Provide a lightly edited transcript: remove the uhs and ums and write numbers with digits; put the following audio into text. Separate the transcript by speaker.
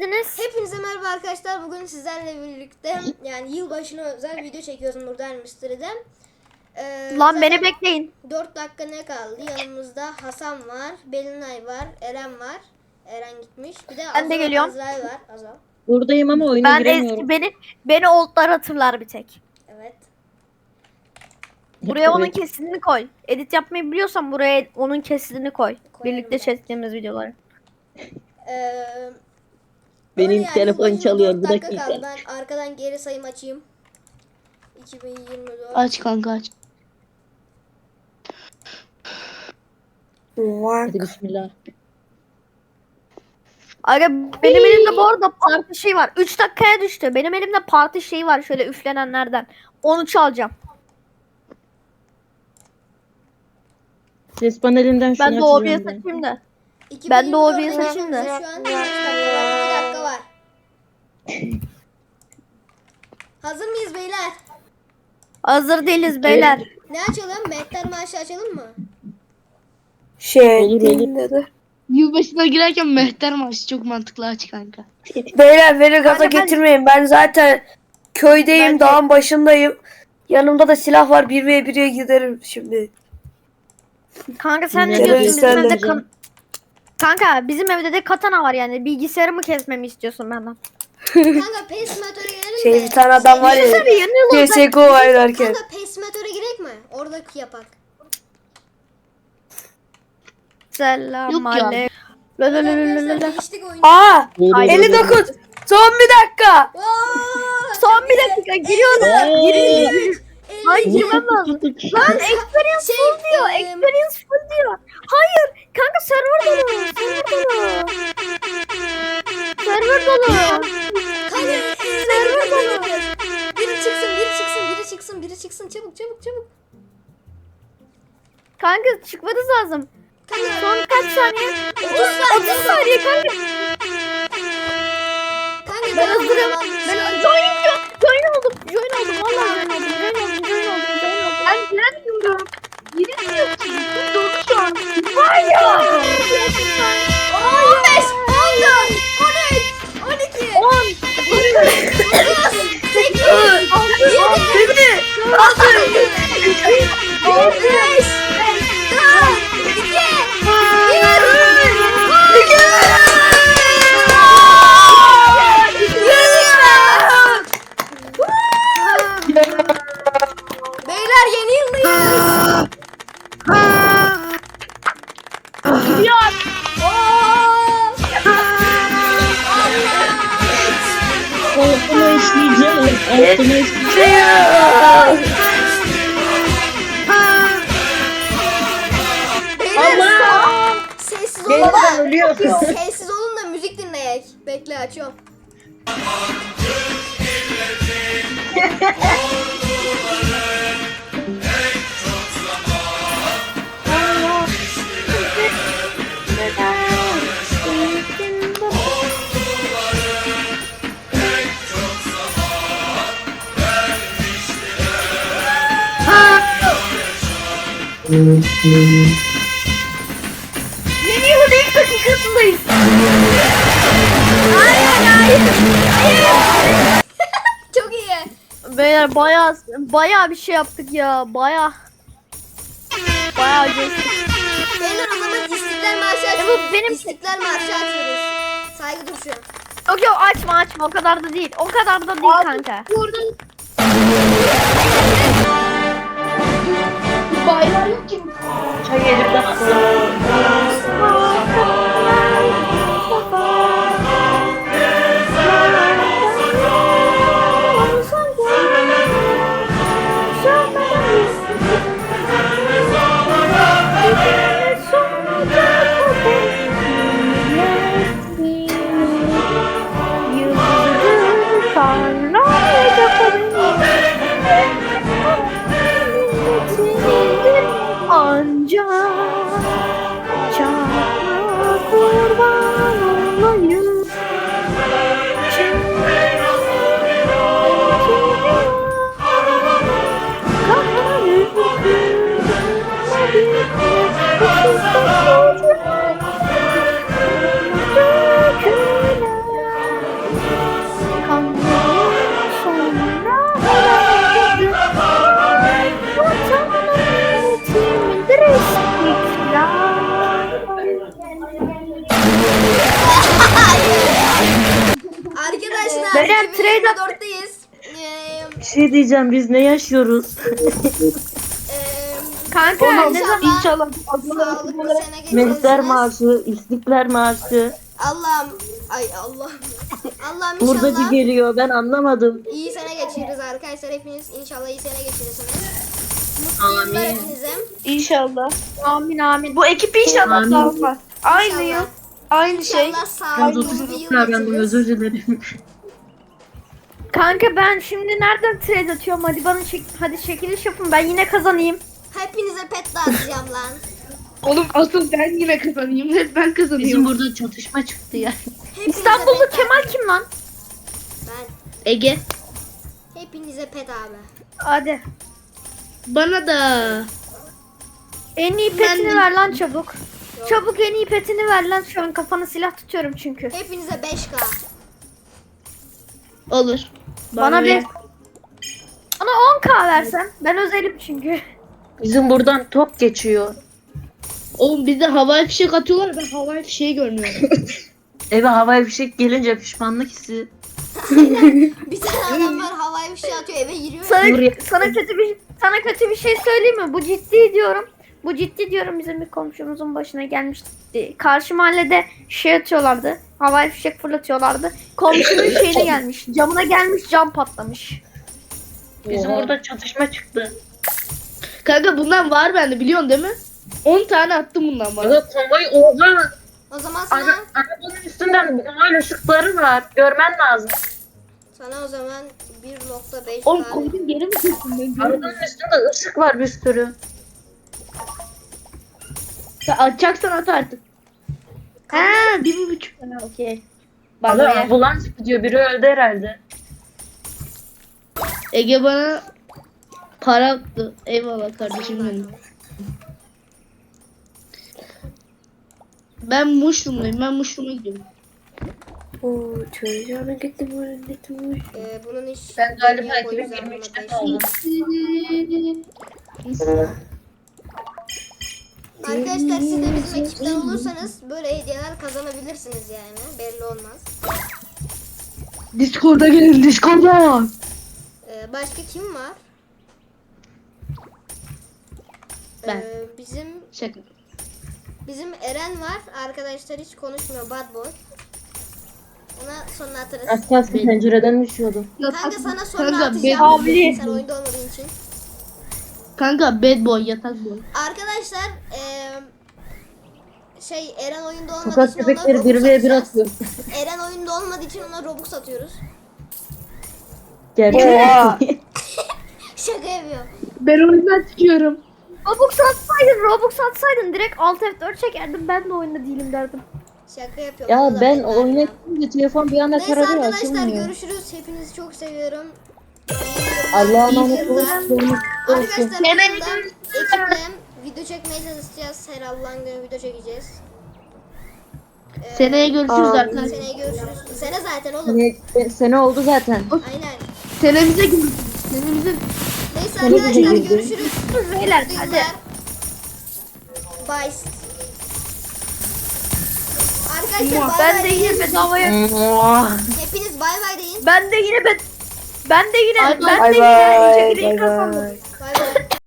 Speaker 1: geldiniz.
Speaker 2: Hepinize merhaba arkadaşlar. Bugün sizlerle birlikte yani yılbaşına özel video çekiyoruz Murder Mystery'den.
Speaker 1: Lan beni bekleyin.
Speaker 2: 4 dakika ne kaldı? Yanımızda Hasan var, Belinay var, Eren var. Eren gitmiş. Bir de
Speaker 1: Ben de geliyorum.
Speaker 2: Azrail var. Azal.
Speaker 3: Buradayım ama oyuna
Speaker 1: Ben
Speaker 3: giremiyorum.
Speaker 1: eski beni oldlar hatırlar bir tek.
Speaker 2: Evet.
Speaker 1: Buraya onun
Speaker 3: Evet.
Speaker 1: kesitini koy. Edit yapmayı biliyorsan buraya onun kesitini koy.
Speaker 2: Koyarım
Speaker 1: Birlikte
Speaker 2: ben.
Speaker 1: çektiğimiz videoları.
Speaker 3: Benim
Speaker 2: Öyle yani,
Speaker 3: telefon
Speaker 2: yılbaşına
Speaker 3: çalıyor,
Speaker 2: 4
Speaker 3: bir
Speaker 2: dakika
Speaker 3: dakika.
Speaker 2: kaldı. Ben arkadan geri sayım açayım. 2024.
Speaker 4: Aç kanka aç.
Speaker 3: Hadi bismillah.
Speaker 1: Aga benim elimde bu arada parti şeyi var. 3 dakikaya düştü. Benim elimde parti şeyi var şöyle üflenenlerden. Onu çalacağım.
Speaker 3: Ses panelinden şunu
Speaker 1: Ben de OBS
Speaker 3: açacağım ben.
Speaker 1: açayım da.
Speaker 2: 2024'e
Speaker 1: Ben de OBS
Speaker 2: gelmemize
Speaker 1: açayım da.
Speaker 2: Şu an 3 dakika var. 2 dakika var. Hazır mıyız beyler?
Speaker 1: Hazır değiliz beyler.
Speaker 2: Ne açalım? Mehter Marşı açalım mı?
Speaker 3: Olur.
Speaker 4: Yılbaşına girerken mehter marşı çok mantıklı aç kanka.
Speaker 5: Beyler beni gaza
Speaker 1: Kanka ben-
Speaker 5: getirmeyin. Ben zaten köydeyim,
Speaker 1: Ben de-
Speaker 5: dağın başındayım. Yanımda da silah var. 1v1'e giderim şimdi.
Speaker 1: Kanka sen ne
Speaker 3: Nerede
Speaker 1: diyorsun bizim
Speaker 5: gösterdi?
Speaker 1: evde Kanka bizim evde de katana var yani. Bilgisayarımı kesmemi istiyorsun benden.
Speaker 2: Kanka Pesimatöre girelim
Speaker 5: Şey
Speaker 2: mi?
Speaker 5: bir tane adam var
Speaker 1: Tabii
Speaker 5: ya.
Speaker 1: yeni yıl olacak.
Speaker 5: CSGO oynarken.
Speaker 2: Kanka Pesimatöre girek mi? Oradaki yapak.
Speaker 1: Selam
Speaker 4: Yok ya.
Speaker 1: aleyküm. La la la la la la.
Speaker 2: Geliştik oyunu.
Speaker 5: Aa!
Speaker 3: Olur,
Speaker 5: 59. Son bir dakika.
Speaker 2: Oo!
Speaker 1: Son bir dakika giriyorum.
Speaker 3: olur.
Speaker 1: Hayır girmem lazım.
Speaker 3: Tuttuk.
Speaker 1: Lan experience full diyor. Experience full diyor. Hayır. Kanka server dolu. Server dolu.
Speaker 2: Kanka
Speaker 1: Server dolu.
Speaker 2: biri çıksın. Çabuk.
Speaker 1: Kanka çıkmanız lazım.
Speaker 2: Kanka
Speaker 1: Son kaç saniye? 30 saniye kanka.
Speaker 2: Kanka
Speaker 1: Ben
Speaker 2: devam
Speaker 1: hazırım.
Speaker 2: devam.
Speaker 1: Ben join oldum. Vallahi join oldum. Ben giremiyorum. Giremiyorsun. Dolu şu an. Var ya.
Speaker 2: 15, 14, 13, 12,
Speaker 1: 10.
Speaker 2: 8, 5, 4, 2, 1. Beyler yeni yıldayız.
Speaker 1: Gidiyor.
Speaker 3: Altına işleyeceğim. Altına işleyeceğim.
Speaker 2: Beyler sessiz olun
Speaker 3: Gelirken
Speaker 2: da.
Speaker 3: ölüyorsun.
Speaker 2: Sessiz olun da müzik dinleyek. Bekle açıyorum.
Speaker 1: Yeni yılın ilk dakikasındayız.
Speaker 2: Çok iyi.
Speaker 1: Beyler bayağı bir şey yaptık ya. Bayağı coştuk.
Speaker 2: Beyler o zaman İstiklal Marşı
Speaker 1: bu
Speaker 2: açıyoruz.
Speaker 1: benim-
Speaker 2: İstiklal Marşı açıyoruz. Saygı duruşu.
Speaker 1: Yok açma o kadar da değil. O kadar da değil kanka.
Speaker 4: Bayrağı yok ki.
Speaker 3: Çay yedim de.
Speaker 1: Ancak Beyler trade at.
Speaker 2: 2024'teyiz.
Speaker 3: Bir şey diyeceğim, biz ne yaşıyoruz?
Speaker 1: Kanka
Speaker 2: Oğlum,
Speaker 1: ne zaman?
Speaker 4: İnşallah.
Speaker 2: Sağlıklı sene
Speaker 3: Mehter
Speaker 2: geçirirsiniz.
Speaker 3: maaşı, istiklal maaşı.
Speaker 2: Allah'ım. Ay Allah'ım. Allah'ım
Speaker 3: Buradaki
Speaker 2: inşallah
Speaker 3: geliyor, ben anlamadım.
Speaker 2: iyi sene geçiririz arkadaşlar. Hepiniz inşallah iyi sene geçirirsiniz. Mutlu yıllar
Speaker 3: Amin.
Speaker 2: hepinize.
Speaker 4: İnşallah.
Speaker 1: Amin amin.
Speaker 4: Bu ekip inşallah
Speaker 3: Amin.
Speaker 4: dağılmaz. Aynı
Speaker 2: İnşallah.
Speaker 4: yıl. Aynı şey.
Speaker 2: İnşallah
Speaker 3: Ben
Speaker 2: sağlıklı bir
Speaker 3: 30
Speaker 2: yıl
Speaker 3: davrandım,
Speaker 2: geçiririz.
Speaker 3: özür dilerim.
Speaker 1: Kanka ben şimdi nereden trade atıyorum? Hadi bana hadi çekiliş yapın. Ben yine kazanayım.
Speaker 2: Hepinize pet dağıtacağım lan.
Speaker 4: Oğlum asıl ben yine kazanayım. Hep ben
Speaker 3: Bizim
Speaker 4: kazanıyorum.
Speaker 3: burada çatışma çıktı ya.
Speaker 2: Hepinize
Speaker 1: İstanbullu
Speaker 2: pet
Speaker 1: Kemal
Speaker 2: dağıtacağım.
Speaker 1: kim lan?
Speaker 2: Ben.
Speaker 4: Ege.
Speaker 2: Hepinize pet abi.
Speaker 1: Hadi.
Speaker 4: Bana da.
Speaker 1: En iyi
Speaker 4: Ben
Speaker 1: petini
Speaker 4: de-
Speaker 1: ver lan çabuk. Çabuk en iyi petini ver lan. Şu an kafana silah tutuyorum çünkü.
Speaker 2: Hepinize 5K.
Speaker 4: Olur.
Speaker 1: Bana
Speaker 4: ver.
Speaker 1: bir... Bana 10k versen. Ben özelim çünkü.
Speaker 3: Bizim buradan top geçiyor.
Speaker 4: Oğlum bizde havai fişek atıyorlar. Ben havai fişeği görmüyorum.
Speaker 3: Eve havai fişek gelince pişmanlık hissi.
Speaker 2: Bir tane adam var havai bir şey atıyor eve giriyor.
Speaker 1: Sana kötü bir şey söyleyeyim mi? Bu ciddi diyorum. Bu ciddi diyorum, bizim bir komşumuzun başına gelmişti. Karşı mahallede şey atıyorlardı. Havai fişek fırlatıyorlardı. Komşunun şeyine gelmiş. Camına gelmiş, cam patlamış.
Speaker 3: Bizim
Speaker 4: Oha.
Speaker 3: burada çatışma çıktı.
Speaker 4: Kanka bundan var bende biliyorsun değil mi? 10 tane attım bundan bana.
Speaker 3: Aga konvoy oha.
Speaker 2: O zaman sana
Speaker 3: Arabanın üstünden konvoy ışıkları var. Görmen lazım.
Speaker 2: o zaman 1.5
Speaker 4: Oğlum
Speaker 2: k.
Speaker 4: koydum geri mi kesin ben?
Speaker 3: Arabanın üstünde ışık var bir sürü.
Speaker 4: Sen atacaksan at artık. Ha 1,5 tane okey.
Speaker 3: Aga
Speaker 4: Bana ver.
Speaker 3: ambulans gidiyor. Biri öldü herhalde.
Speaker 4: Ege bana para attı. Eyvallah kardeşim benim. Ben Muşlum'dayım. Ben Muşlum'a gidiyorum.
Speaker 5: Oo, çocuğuna gittim.
Speaker 2: Bunun iş.
Speaker 3: Ben galiba
Speaker 2: niye koyacağım
Speaker 3: 2023'te
Speaker 2: buna
Speaker 3: oldum.
Speaker 2: Arkadaşlar siz de bizim ekipten olursanız böyle hediyeler kazanabilirsiniz yani. Belli olmaz.
Speaker 4: Discord'a gelin Discord'a.
Speaker 2: Başka kim var?
Speaker 4: Ben.
Speaker 2: Bizim
Speaker 4: Şaka.
Speaker 2: Eren var. Arkadaşlar hiç konuşmuyor. Bad boy. Ona sonra atarız.
Speaker 3: Az kalsın pencereden düşüyordum.
Speaker 2: Kanka sana sonra
Speaker 4: Kanka,
Speaker 2: atacağım.
Speaker 1: Abli.
Speaker 2: Sen oyunda olmadığın için.
Speaker 4: Kanka bad boy yatak boy.
Speaker 2: Arkadaşlar Eren oyunda olmadığı
Speaker 3: Sokak
Speaker 2: için ona
Speaker 3: köpekleri
Speaker 2: Robux
Speaker 3: 1v1
Speaker 2: atacağız.
Speaker 3: atıyor.
Speaker 2: Eren oyunda olmadığı için ona Robux atıyoruz.
Speaker 3: Gerçekten.
Speaker 2: Şaka yapıyor.
Speaker 4: Ben oyundan çıkıyorum.
Speaker 1: Robux atsaydın direkt Alt F4 çekerdim. Ben de oyunda değilim derdim.
Speaker 2: Şaka yapıyorum.
Speaker 3: Ya
Speaker 2: Vallahi
Speaker 3: ben
Speaker 2: ben
Speaker 3: oyuna
Speaker 2: ya.
Speaker 3: gidince telefon bir anda
Speaker 2: Neyse
Speaker 3: kararıyor,
Speaker 2: arkadaşlar
Speaker 3: açılmıyor.
Speaker 2: görüşürüz. Hepinizi çok seviyorum.
Speaker 3: Allah'a
Speaker 2: İyi
Speaker 3: emanet
Speaker 2: yıllar.
Speaker 3: olun.
Speaker 2: Arkadaşlar bu
Speaker 4: Seneye
Speaker 2: yılda ekiple video çekmeye çalışacağız. Her Allah'ın günü video çekeceğiz.
Speaker 4: Seneye görüşürüz arkadaşlar.
Speaker 2: Seneye görüşürüz. Sene zaten oğlum.
Speaker 3: Sene oldu zaten.
Speaker 2: Aynen.
Speaker 4: Senemize görüşürüz. Senemize.
Speaker 2: Neyse
Speaker 3: Sene bize
Speaker 2: arkadaşlar
Speaker 3: girdi.
Speaker 2: görüşürüz.
Speaker 1: Beyler
Speaker 2: Mutlu
Speaker 1: hadi.
Speaker 2: yıllar. Bye. Arkadaşlar bay
Speaker 1: Ben
Speaker 2: bay
Speaker 1: de
Speaker 2: deyin.
Speaker 1: yine bedavaya.
Speaker 2: Hepiniz bay bay deyin.
Speaker 1: Ben de yine
Speaker 4: Bay bay.
Speaker 1: ben de yine çekiliş
Speaker 5: Bay
Speaker 1: kazandım.
Speaker 5: bay.